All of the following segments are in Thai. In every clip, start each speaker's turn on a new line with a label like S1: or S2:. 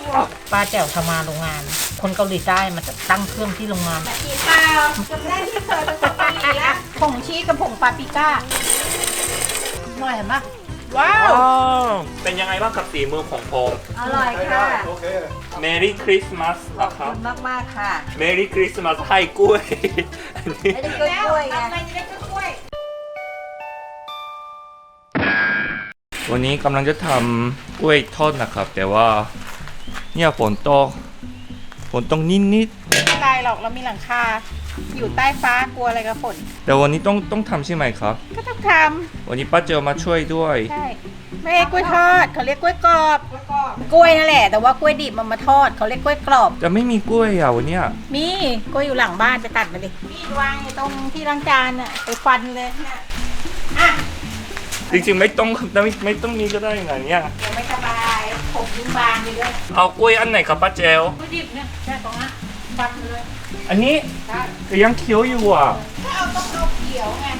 S1: ป้าแจ๋วทำงานโรงงาน คนเกาหลีใต้มันจะตั้งเครื่องที่โรงงาน
S2: อีเปล่าจำได้ที่เคยเป็นคนเกาหลีแล้วผงชีสกับผงปาปริก้า
S1: หน่อยเห็นปะ
S2: ว้าว
S3: เป็นยังไงบ้างกับฝีมือของผม
S2: อร่อยค่ะ
S3: Merry Christmas
S2: ขอบ
S3: นะครั
S2: คุ
S3: บ
S2: ณมากๆค่ะ
S3: Merry Christmas ให้กล้วยอันนี้
S2: ไม่ได้กล้วยไงทำไมจะได้กล้วย
S3: วันนี้กำลังจะทำกล้วยทอดนะครับ แต่ว่าเนี่ยฝนตกนิด
S2: ไม่เป็นไรหรอกเรามีหลังคาอยู่ใต้ฟ้ากลัวอะไรกับฝน
S3: ๆแต่วันนี้ต้องทำใช่ไหมครับ
S2: ก็ต้องท
S3: วันนี้ป้าเจอมาช่วยด้วย
S2: ำใช่ไม่ใช่กล้วยทอดเขาเรียกกล้วยกรอบกล้วยนั่นแหละแต่ว่ากล้วยดิบมันมาทอดเขาเรียกกล้วยกรอบ
S3: จะไม่มีกล้วยอ่ะวันเนี้ย
S2: มีกล้วยอยู่หลังบ้านไปตัดมาดิมีดวางอยู่ตรงที่ล้างจานอ่ะไปฟันเลยเนี่ยอ่ะ
S3: จริงๆไม่ต้องมีก็ได้ไงเนี่ย
S2: เดี๋ยวไม่สบายผมยิ่งบางไปด้วย
S3: เอากล้วยอันไหนครับป้าเจล
S2: กล้วยดิบเนี่ยแค่ตรงนั้นฟันเลย
S3: อันนี้
S2: ได้
S3: แต่ยังเคี้ยวอยู่อ่ะ
S2: ถ้าเอาต้องเอาเขียวไง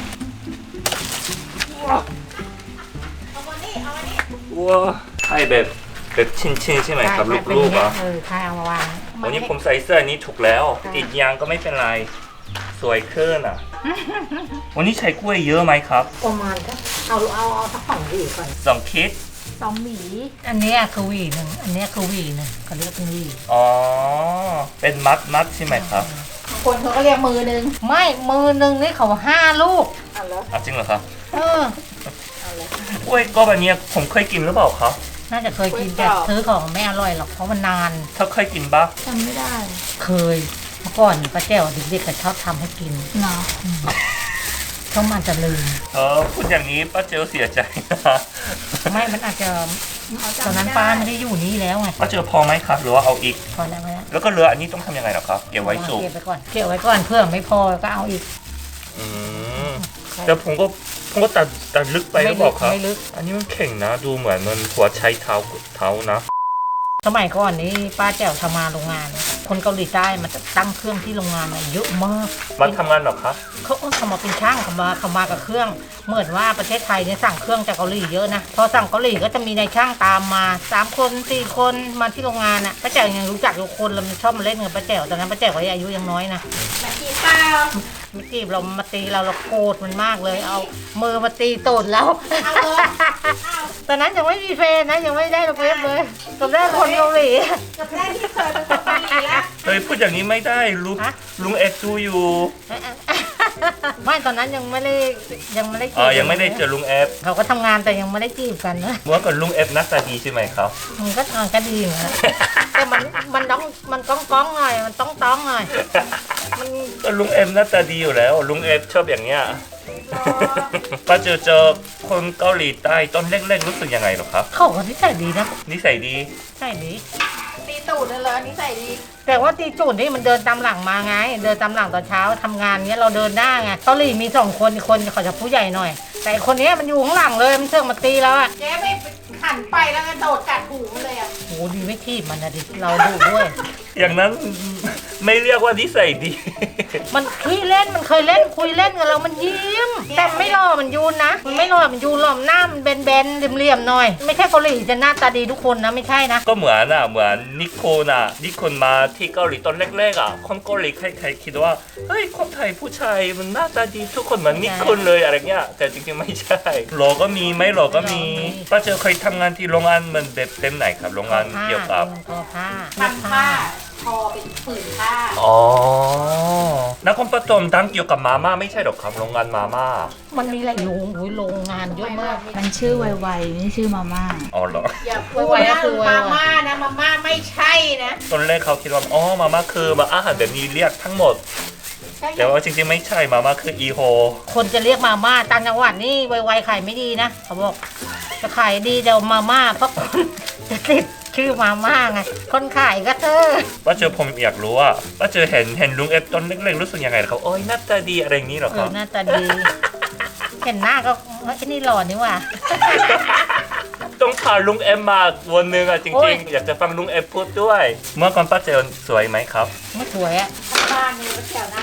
S2: เอามานี่เอามานี่
S3: ว้าให้แบบชิ้นๆใช่ไหมครับลูกๆอ่ะ
S1: ใช่เอามาวาง
S3: วันนี้ผมใส่เสื้อนี้ถูกแล้วติดยางก็ไม่เป็นไรสวยขึ้นอ่ะ วันนี้ใช้กล้วยเยอะไหมครับ
S1: ประมาณก็เอาสัก2 หวีก่อน
S3: 2 คิด
S2: 2 หวี
S1: อันเนี้ยคือหวีหนึ่งอันเนี้ยคือหวีหนึ่งเขาเรียกเป็นหวี
S3: อ๋อเป็นมัดใช่ไหมครับ
S2: บางคนเขาก็เรียกมือนึง
S1: ไม่มือหนึ่งนี่เขา5 ลูก
S2: เอาแล้ว
S3: อ่ะจริงเหรอครับ
S1: เออ
S3: กล้วยก็แบบเนี้ยผมเคยกินหรือเปล่าครับ
S1: น่าจะเคยกินแต่ซื้อของไม่อร่อยหรอกเพราะมันนาน
S3: ถ้าเคยกินปะ
S2: จำไม่ได้
S1: เคยเมื่อก่อนป้าแจ๋วเด็กๆก็ชอบทำให้กิน
S2: เนาะ
S1: เขามันจะลืม
S3: พูดอย่างนี้ป้าเจลเสียใจนะ
S1: ไม่มันอาจจะตอนนั้นป้าไม่ได้อยู่นี่แล้วไง
S3: ป้าเจลพอไหมครับหรือว่าเอาอีก
S1: พอแล้วไหม
S3: แล้วก็เหลืออันนี้ต้องทำยังไงเหรอครับเก็บไว้สุก
S1: เก็บไว้ก่อนเก็บไว้ก่อนเพื่อไม่พอก็เอาอีก
S3: อืมแต่ผมก็ตัดลึกไปหรือเปล่าครับ
S1: ไม่ลึก
S3: อันนี้มันแข็งนะดูเหมือนมันหัวใช้เท้านะ
S1: สมัยก่อนนี้ป้าแจ๋วทำงานโรงงาน คนเกาหลีใต้มันจะตั้งเครื่องที่โรงงานเยอะมาก
S3: มาทำงานเหรอครับ
S1: เขามาเป็นช่างเขามากับเครื่อง เหมือนว่าประเทศไทยเนี่ยสั่งเครื่องจากเกาหลีเยอะนะพอสั่งเกาหลีก็จะมีนายช่างตามมา3 คน 4 คนมาที่โรงงานอ่ะป้าแจ๋วยังรู้จักทุกคนแล้วมันชอบมาเล่นกับป้าแจ๋วตอนนั้นป้าแจ๋วก็อายุยังน้อยนะ
S2: มากินเปล่า
S1: ไม่จีบเรามาตีเราโกรธมันมากเลย เอามือมาตีตูดเรา
S2: เอาเลยเอา
S1: ตอนนั้นยังไม่มีแฟนนะยังไม่ได้ลูกเล็บเลยตอนแรกคนเกาหลี
S2: จำได้ที่เคยเป็นคนเกาหลีแล้ว
S3: เฮ้ยพูดอย่างนี้ไม่ได้
S1: ฮะ
S3: ลุงเอ็ดดูอยู่
S1: ไม่ตอนนั้นยังไม่ได้จีบ
S3: ยังไม่ได้เจอลุงเอฟ
S1: เขาก็ทำงานแต่ยังไม่ได้จีบกันนะ
S3: เมื่อก่อนลุงเอฟหน้าตาดีใช่ไหมครับ
S1: มันก็ดีเหมือนกันแต่มันก้องหน่อยมันต้องหน่อยมัน
S3: ก็ลุงเอฟหน้าตาดีอยู่แล้วลุงเอฟชอบอย่างเงี้ยป้าเจอคนเกาหลีใต้ตอนเล็กๆรู้สึกยังไงหรอครับ
S1: เขาก็นิสัยดีนะ
S3: นิสัยดี
S1: ใช่ดี
S2: ตีตูดเลยเหรอนิสัยดี
S1: แต่ว่าตีจูนนี่มันเดินตามหลังมาไง เดินตามหลังตอนเช้าทำงานเนี้ยเราเดินได้ไงเกาหลีมี2 คนอีกคนเขาจะผู้ใหญ่หน่อย แต่อีกคนเนี้ยมันอยู่ข้างหลังเลยมันเชื่องมาตีแล้วอ่ะ
S2: เจ๊ไม่หันไปแล้วก็โดดกัดหูมันเลยอ่ะ
S1: โหดีไม่ทีบมันนะดิเราดูด้วย
S3: อย่างนั้นไม่เรียกว่านิสัยดี
S1: มันขี้เล่นมันเคยเล่นคุยเล่นกับเรามันยิ้ม แต่ไม่หล่อมันยูนนะมันไม่หล่อมันยูนหล่อมหน้ามันแบนๆเหลี่ยมๆหน่อย ไม่ใช่เกาหลีจะหน้าตาดีทุกคนนะไม่ใช่นะ
S3: ก็เหมือนนิโคมาที่เกาหลีตอนแรกๆอ่ะคนเกาหลีใครๆคิดว่าเฮ้ยคนไทยผู้ชายมันหน้าตาดีทุกคนเหมือนนิโคเลยอะไรเงี้ยแต่จริงๆไม่ใช่หล่อก็มีไม่หล่อก็มีป้าเจอเคยทำงานที่โรงงานมันแบบเต็มไหนครับโรงงานเกี่ยวกับ
S1: ทอผ้า
S2: ทำผ้าทอเป็นผืนผ้า
S3: อ๋อนครปฐมดังเกี่ยวกับมาม่าไม่ใช่หรอกครับโรงงานมาม่า
S1: มันมีอะไรโรงงานเยอะมาก
S4: มันชื่อไวๆนี่ชื่อมาม่า
S3: อ๋อเหรอ
S2: อย่าพูดนะมาม่านะมาม่าไม่ใช่นะ
S3: ตอนแรกเขาคิดว่าอ๋อมาม่าคือมาอาหารแบบนี้เรียกทั้งหมด แต่ว่าจริงๆไม่ใช่มาม่าคืออีโฮ
S1: คนจะเรียกมาม่าต่างจังหวัดนี่ไวๆขายไม่ดีนะเขาบอกจะขายดีเดี๋ยวมาม่าเพราะคนจะติดชื่อมาม่าไงคนขายก็เธอ
S3: ป้าเจอผมอยากรู้ว่าป้าเจอเห็นลุงเอฟตอนเล็กๆรู้สึกยังไงเขาโอ้ยหน้าตาดีอะไรอย่างนี้เหรอครับ
S1: หน้าตาดี เห็นหน้าก็เฮ้ยนี่หล่อนี่หว่า
S3: ต้องพาลุงเอฟมาวันหนึ่งอ่ะจ
S1: โอ้
S3: ริ
S1: ย
S3: งๆอยากจะฟังลุงเอฟพูดด้วย เมื่อก่อนป้าเจอสวยไหมครับ
S1: ไม่สวยอะ
S2: บ้านนี่ก็แถวหน้าตาดี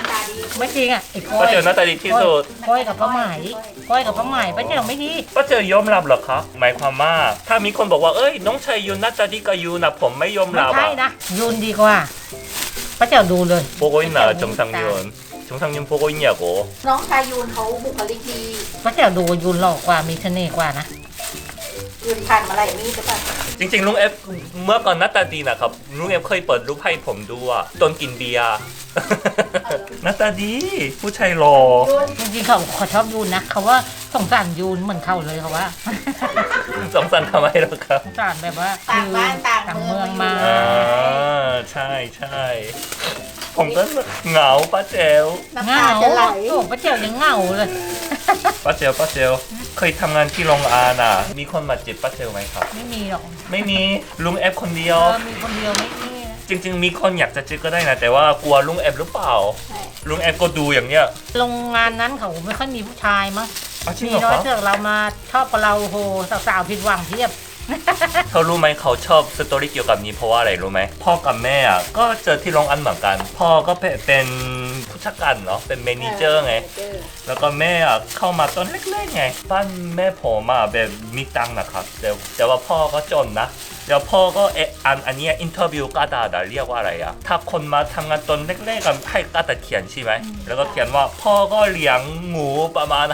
S1: ไม่จริงอ่ะไอ้ก้อ
S3: ป้าย เจ๋อหน้าตาดีที่สุด
S1: ก้อยกับป้าไหมก้อยกับป้าไหมป้าเจ๋อไม่ดี
S3: ป้าเจ๋อยอมรับเหรอครับหมายความว่าถ้ามีคนบอกว่าเอ้ยน้องชายยูนหน้าตาดีกับยูนะผมไม่ยอม
S1: ไม่
S3: รับ
S1: ใช่
S3: อะ
S1: นะยุนดีกว่าป้าเจ๋อดูเลย
S3: 보고 있나 정상윤 정상윤 보고 있냐고
S2: น้องชายยูนเขาบุคลิกดี
S1: ป้าเจ๋อดูยุนหล่อกว่ามีเสน่ห์กว่านะ
S2: ยูนผ่านมาหลายมีดหรือเปล่า
S3: จริงๆลุงเอฟเมื่อก่อนหน้าตาดีนะครับลุงเอฟเคยเปิดรูปให้ผมดูอะตอนกินเบียร์ หน้าตาดีผู้ชายหล่อ
S1: จริงๆเขาชอบยุนนะเขาว่าสงสารยุนเหมือนเขาเลยเขาว่า
S3: สงสารทำไมหรอครับ
S1: สงสารแบบว่า
S2: ต่างบ้านต่าง
S1: ต่าง
S2: เมื
S1: เมื
S2: อ
S1: อง งมา
S3: อ่าใช่ใช่ผมก็เหงาป้าเจล
S2: น้ำ
S1: เหงา
S2: ตาจะไหล
S1: โอ้ป้าเจ๋อยังเหงาเลย
S3: ป้าเจลเคยทำงานที่โรงอาหารมีคนมาจีบป้าเจลไหมครับ
S1: ไม่มีหรอก
S3: ไม่มีลุงเอฟคนเดียว
S1: มีคนเดียวไม่มีนะ
S3: จริงๆ มีคนอยากจะจีบก็ได้นะ แต่ว่ากลัวลุงแอบหรือเปล่า ลุงแอบก็ดูอย่างเนี้ย
S1: โรงงานนั้นเขาไม่ค่อยมีผู้ชายมั้ง
S3: อ้าวจริง
S1: มี
S3: เหรอ
S1: น้อย
S3: ครับ
S1: เสือกเรามาชอบกับเราโหสาวๆผิดหวังเพียบ
S3: เขารู้ไหมเขาชอบสตอรี่เกี่ยวกับนี้เพราะว่าอะไรรู้ไหมพ่อกับแม่อ่ะก็เจอที่โรงอันเหมือนกัน พ่อก็เป็นผู้จัดการเนาะเป็นเมเนเจอร์ไง แล้วก็แม่อ่ะเข้ามาตอนเล็กๆไงบ้านแม่ผมอ่ะแบบมีตังค์นะครับแต่ว่าพ่อก็จนนะเดี๋ยวพ่อก็อันเนี้ยอินเทอร์วิวกาดาเรียกว่าอะไรอ่ะถ้าคนมาทำงานตอนเล็กๆกันให้กาดาเขียนใช่ไหมแล้วก็เขียนว่าพ่อก็เลี้ยงหมูประมาณ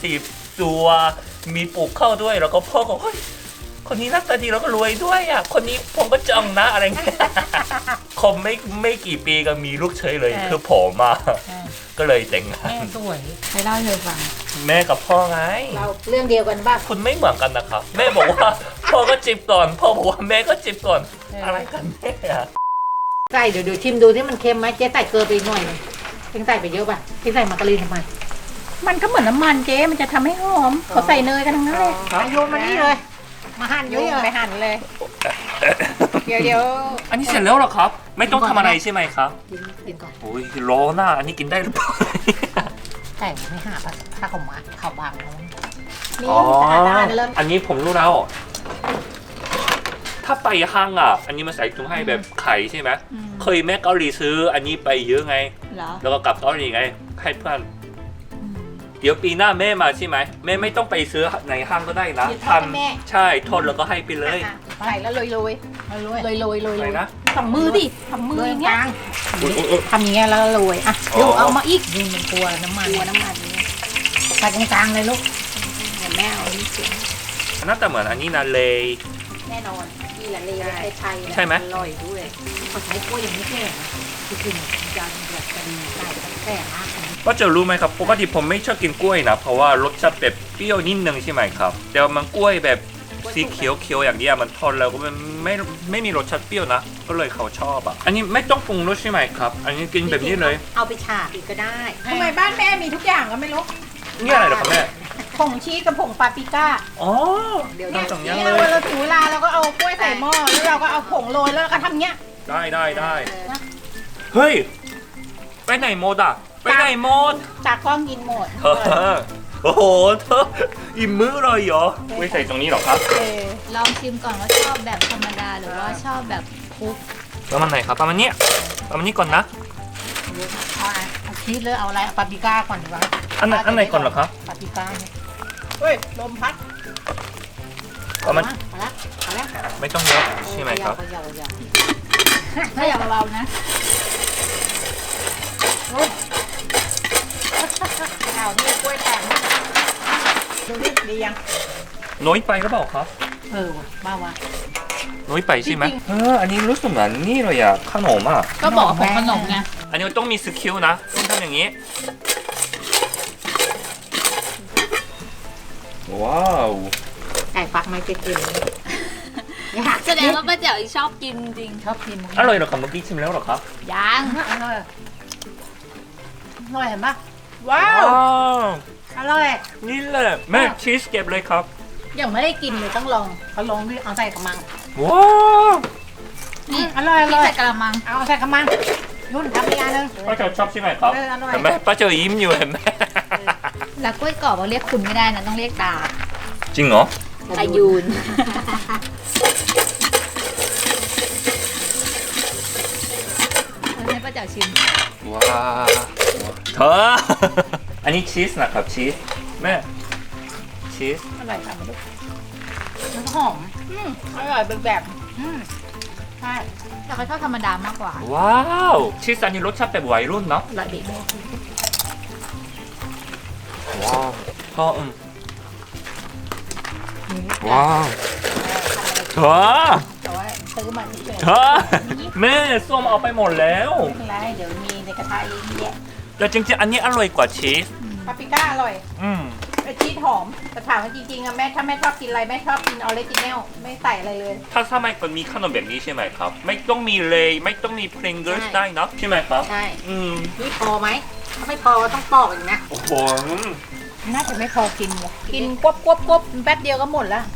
S3: 50ตัวมีปลูกข้าวด้วยแล้วก็พ่อก็เฮ้ยคนนี้หน้าตาดีแล้วก็รวยด้วยอ่ะคนนี้ผมก็จังนะอะไรเงี้ย คมไม่กี่ปีก็มีลูกเฉยเลยคือผมอ่ะก็เลยแต่งงาน
S1: แม่สวย
S4: ไปเล่าให้เธอฟัง
S3: แม่กับพ่อไง
S2: เราเรื่องเดียวกันบ้าง
S3: คุณไม่เหมือนกันนะครับ แม่บอกว่า พ่อก็จิบก่อนพ่อบอกว่าแม่ก็จิบก่อนอะไรกันแม่อะ
S1: ใส่เดี๋ยวชิมดูที่มันเค็มไหมเจ๊ใส่เกลือไปอีกหน่อยหนึงเจ๊ใส่ไปเยอะป่ะเจ๊ใส่มาการีนทำไม
S2: มันก็เหมือนน้ำมันเจ๊มันจะทำให้หอมเขาใส่เนยกันทั้งนั้นเลย
S1: อาโยนมานี่เลย มาหั่น
S2: ยุ่
S1: เย
S2: ง
S1: อะ
S2: ไปหั่นเลย เดี๋ยว
S3: อันนี้เสร็จแล้วเหรอครับ ไม่ต้องทำอะไรใช่ไหมครับ
S1: กินก่อน
S3: โอ้ยร้อนอ่ะอันนี้กินได้หรือเปล่า
S1: แต่ไม่หาป่ะถ้าเขามาเขาบางเขา
S2: นี่สะอาดๆเริ่ม
S3: อันนี้ผมรู้แล้ว ถ้าไปห้างอ่ะ อันนี้มาใส่ถุงให้แบบไข่ใช่ไหมเคยแม่เกาหลีซื้อ อันนี้ไปเยอะไง
S2: เหรอ
S3: แล้วก็กลับเกาหลีไงให้เพื่อนเดี๋ยวปีหน้าแม่มาใช่ไหมแม่ไม่ต้องไปซื้อในห้างก็ได้นะ
S2: หยิบให้แม่
S3: ใช่ทอดแล้วก็ให้ไปเลย
S2: อ่ะใส่แล้วโรยโรย
S1: ไม่รู้
S2: โรยโรยโรย
S3: อะไรนะ
S2: สองมือดิสองมือ
S1: เล
S2: อย ย่างเงี้ย
S1: กลาง
S2: ทำอย่างเงี้ยแล้วก็โรยอ่ะ
S3: อ๋อ
S2: ดูเอามาอีก
S1: ยืนเป็นตัวน้ำมัน
S2: ตัวน้ำมันนี้
S1: ใส่ตรงกลางเลยลูก
S2: เดี๋ยวแม่เอานี่เสียง
S3: น่าจะเหมือนอันนี้นะเลย
S2: แน่นอนนี่แหละเลยไทยๆ
S3: ใช่ไหม
S2: อร่อยด้วย
S1: เขาใช้กล้วยอย่างนี้แค่นะที่กินจานแบบจะดีใส่แค่มากนะ
S3: ว่าจะรู้ไหมครับปกติผมไม่ชอบกินกล้วยนะเพราะว่ารสชาติแบบเปรี้ยวนิดนึงใช่ไหมครับแต่ว่ามันกล้วยแบบสีเขียวๆอย่างเนี้ยมันทอดแล้วก็มันไม่มีรสชาติเปรี้ยวนะ ก็เลยเขาชอบอ่ะอันนี้ไม่ต้องปรุงรสใช่ไหมครับ อันนี้กินแบบนี้เลย
S1: เอาไปฉาบอีกก็ได้
S2: ทำไมบ้านแม่มีทุกอย่างก็ไม่รู้
S3: นี่อะไรเหรอครับแม่
S2: ผงชีสกับผงปาปริก้า
S3: อ๋อ
S1: เดี๋ยว
S3: ทำสองอย่าง
S2: นี่
S3: เล
S2: เรา
S3: ย
S2: เราถึงเวลาเราก็เอากล้วยใส่หม้อแล้วเราก็เอาผงโรยแล้วเราก็ทำเงี้ย
S3: ได้เฮ้ยไปไหนหมดอ่ะไปไหนหมด
S2: จากกล้องกินหมด
S3: เธอโอ้โหเธออิ่มมื้อเลยเหรอไม่ใส่ตรงนี้หรอครับ
S4: ลองชิมก่อนว่าชอบแบบธรรมดาหรือว่าชอบแบบคลุก
S3: ประมาณไหนครับประมาณเนี้ยประมาณนี้ก่อนนะ
S1: เอาชีสเลยเอาอะไรเอาปาปริก้าก่อนดีกว่า
S3: อันไหนก่อนเหรอครับ
S1: ปาปริก้าเนี่ย
S2: เฮ้ยลมพัด
S3: ประมาณ
S1: เอาละเอาละ
S3: ไม่ต้องเยอะใช่ไหมครับ
S1: เขย่า
S4: ถ้าอยากเบาๆนะ
S2: เอาที่กล้วยแตกดูดิดียัง
S3: น้อยไปหรือเปล่าครับ
S1: เออว่ะบ้าว่ะ
S3: น้อยไปใช่ไหมอันนี้รู้สึกเหมือนนี่เลยอะขนมอะ
S4: ก็บอกของขนมไง
S3: อันนี้มันต้องมีสกิลนะต้องทำอย่างนี้ ว้าว
S1: ไก่ฟักไม่เกิน
S4: แสดงว่าป้าแจ๋วชอบกินจริง
S1: ชอบกิน
S3: อร่อยเหรอครับเมื่อกี้ชิมแล้วเหรอครับ
S4: ยัง
S1: อร่อยอร่อยเห็นปะ
S2: ว้าว
S1: อร่อย
S3: นี่แหละแม่ชีสเก็บเลยครับ
S1: ยังไม่ได้กินเลยต้องลองเขาลองดิเอาใส่กระมัง
S3: ว้าว
S4: นี่
S1: อร่อยอ
S4: ที่
S1: ร่อย
S4: ใส่กระมัง
S1: เอาใส่กระมังยุ่นทำอีกอันหนึง
S3: ป้าเจ้าชอบใช่ไหมครับ
S1: เอออร่อย
S3: เห็นไหมป้าเจ้ายิ้มอยู่เห็นไหม
S4: แล้วกล้วยกรอบเราเรียกคุณไม่ได้นะต้องเรียกตา
S3: จริงเหรอ
S4: ตายูนให้ป้าแจ๋วชิม
S3: ว้าวเธอ อันนี้ชีสนะครับชีสแม่ชีส
S2: อร่อยค่ะมาดูมันหอมอร่อยเป็นแบบใช่
S4: แต่เขาชอบธรรมดามากกว่า
S3: ว้าวชีสอันนี้รสชาติแบบวัยรุ่นเนาะ
S2: อร่อยดีแม่
S3: ว้าวพ่อว้าวเธอ
S2: แต่ว่าซื้อมาเฉย
S3: เธอแม่ส้มเอาไปหมดแล้ว
S2: ๆไม่เป็นไรเดี๋ยวมีในกระทะเยอะแยะ
S3: แต่จริงๆอันนี้อร่อยกว่าชีส
S2: ปาปริก้าอร่อย
S3: อืม
S2: ไอชีสหอมแต่ถามว่าจริงๆอะแม่ถ้าแม่ชอบกินอะไรแม่ชอบกินออริจินัลไม่ใส่อะไรเลย
S3: ถ้าสมัยก่อนมีขนมแบบนี้ใช่ไหมครับ ไม่ต้องมีเลยไม่ต้องมีพริงเกิลได้เนอะใช่ไหมครับ
S1: ใช่
S3: อืม
S1: นี่พอไหมถ้าไม่พอต้องปอกอีกนะ
S3: โอ้โห
S2: น่าจะไม่พอกินว่ะกินกวบแป๊บเดียวก็หมดแล้ว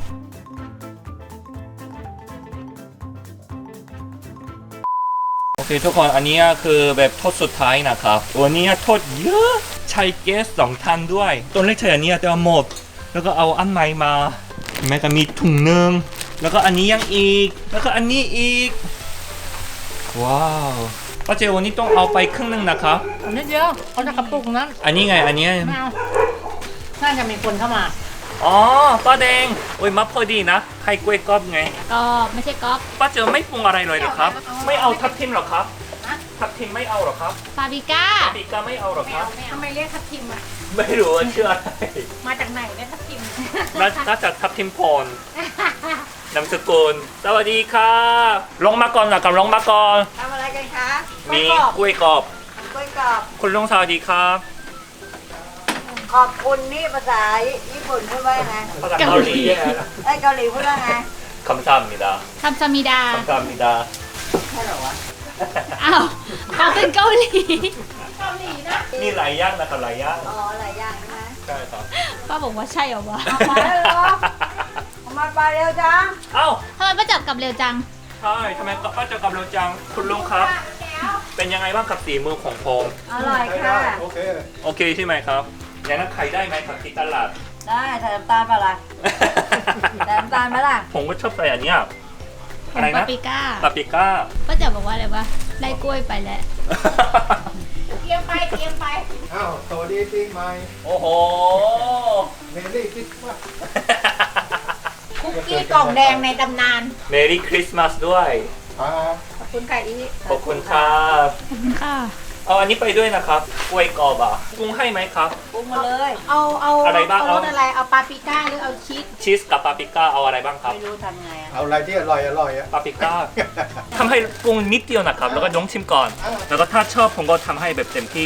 S3: โอเคทุกคนอันนี้คือแบบทอดสุดท้ายนะครับวันนี้ทอดเยอะใช้แก๊ส2 ทันด้วยต้นเล็กใช้อันนี้แต่ว่าหมด แล้วก็เอาอันใหม่มาแม่ก็มีถุงหนึงแล้วก็อันนี้ยังอีก แล้วก็อันนี้อีก ว้าวป้าเจวันนี้ต้องเอาไปครึ่งหนึงนะครับ
S1: อันนี้เดียวเขาจะกระปุกนั้น
S3: อันนี้ไงอันนี้
S1: ไม่เอาน่าจะมีคนเข้ามา
S3: อ๋อป้าแดงโอ้ยมาพอดีนะให้กล้วยกรอบไง
S4: ก็ไม่ใช่ก๊อฟ
S3: ป้าเจไม่ปรุงอะไรเลยเหรอครับ ไม่เอาทับทิมเหรอครับทับทิมไม่เอาเหรอครับ
S4: ปาปริก้า
S3: ปีกาไม่เอาเหรอครับ
S2: ทำไมเรียกทับทิมอะ
S3: ไม่รู้ว่าชื่ออะไร
S2: มาจากไหนเนี่ยทับทิม
S3: น่าจะทับทิมพรนามสกุลสวัสดีครับลงมาก่อนนะครับลงมาก่อน
S2: ทำอะไรกันคะ
S3: มี
S2: กล้วยกรอบ
S3: กล้วยกรอบ
S2: กล้วยกรอบ
S3: คุณลุงสวัสดีครับ
S2: ขอบคุณนี่ภาษาญี่ปุ่นพูดว่าไง
S3: ภาษาเกาหลี
S2: ไอ้ยเกาหลีพูดว่าไง
S3: คำสั่งมิดา
S4: ทำซามิดา
S3: คำสั่งมิดา
S2: ใช่เหรอวะ
S4: อ้าวเขาเป็นเกาหลี
S2: เกาหลีนะ
S3: นี่หลายย่างนะครับหลายย่าง
S2: อ๋อหลายอย่างนะ
S3: ใช่ครับ
S4: ป้าบอกว่าใช่เหรอวะ
S2: มาแล้วเหรอมาไปเร็วจัง
S3: เอ้า
S4: ทำไมป้าจับกลับเร็วจัง
S3: ใช่ทำไมป้าเจอกับเราจังคุณลุงครับ เป็นยังไงบ้างกับสีมือของผม
S2: อร่อยค่ะ
S3: โอเคใช่ไหมครับอย่างนั้นขายได้ไหมครับที่ตลาด
S2: ได้ใส่น้ำตาลเปล่าล่ะใส่น้ำตาลไหมล่ะ
S3: ผมก็ชอบใส่อันเนี้ย
S4: ข
S3: อะ
S4: อง
S3: ไร
S4: ปา
S3: นะ
S4: ปริก้า
S3: ปาปริก้า
S4: ป้าจับบอกว่าอะไรวะได้กล้วยไปแล้ว
S2: เตรียมไปเตรียมไป
S5: อ้าวสวัสดีปีใหม่
S3: โอ้โห
S5: เมรี่คริสต์มาส
S2: คุกกี้กล่องแดงในตำนาน
S3: เมรี่คริสต์มาสด้วย
S5: ครับ
S2: ขอบคุณค่ะอี
S3: ขอบคุณครับ
S4: ขอบคุณค่ะ
S3: เอาอันนี้ไปด้วยนะครับกล้วยกรอบอ่ะปรุงให้ไหมครับ
S2: ปรุงมาเลย เอา
S3: อะไรบ้าง
S2: เอารสอะไร เอาปาปริก้าหรือเอาชีส
S3: ชีสกับปาปริก้าเอาอะไรบ้างครับ
S2: ไม่รู้ทำไงอะ
S5: เอาอะไรที่อร่อยอ่ะ
S3: ปาปริก้าทำให้ปรุงนิดเดียวนะครับ แล้วก็ลองชิมก่อน แล้วก็ถ้าชอบผมก็ทำให้แบบเต็มที่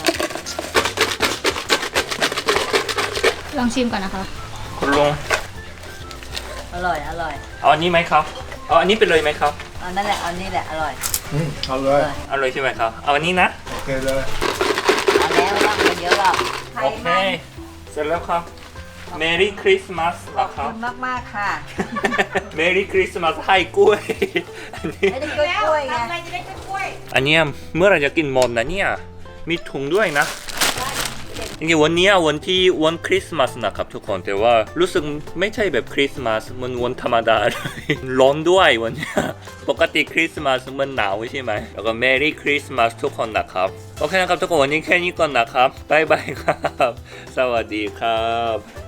S4: ลองชิมก่อนนะคะ
S3: คุณลุง
S2: อร่อย อร่อย
S3: เอาอันนี้ไหมครับ เอาอันนี้ไปเลยไหมครับ
S2: เอานั่นแหละ เอานี่แหละ อร่อย
S5: เอาเลย
S3: เอาเลยใช่ไหมครับ เอาอันนี้นะ
S5: โอเคเลย
S2: เอาแล้วว่ามันเยอะหรอก
S3: โอเค เสร็จแล้วครับ Merry Christmas
S2: ขอบ
S3: นะครั
S2: คุ
S3: บ
S2: ณมากๆค่ะ
S3: Merry Christmas ให้กล้วย อันนี้
S2: ไม่ได้กล้วยไงอะไรจะได้กล้วย
S3: อันเนี้ยเมื่อไหรจะกินหมดนะเนี่ย มีถุงด้วยนะจริงๆวันเนี้ยวันคริสต์มาสนะครับทุกคนแต่ว่ารู้สึกไม่ใช่แบบคริสต์มาสมันวันธรรมดาเลย ร้อนด้วยวันเนี้ยปกติคริสต์มาสมันหนาวใช่ไหมแล้วก็ Merry Christmas ทุกคนนะครับโอเคนะครับทุกคนวันนี้แค่นี้ก่อนนะครับบ๊ายบายครับ สวัสดีครับ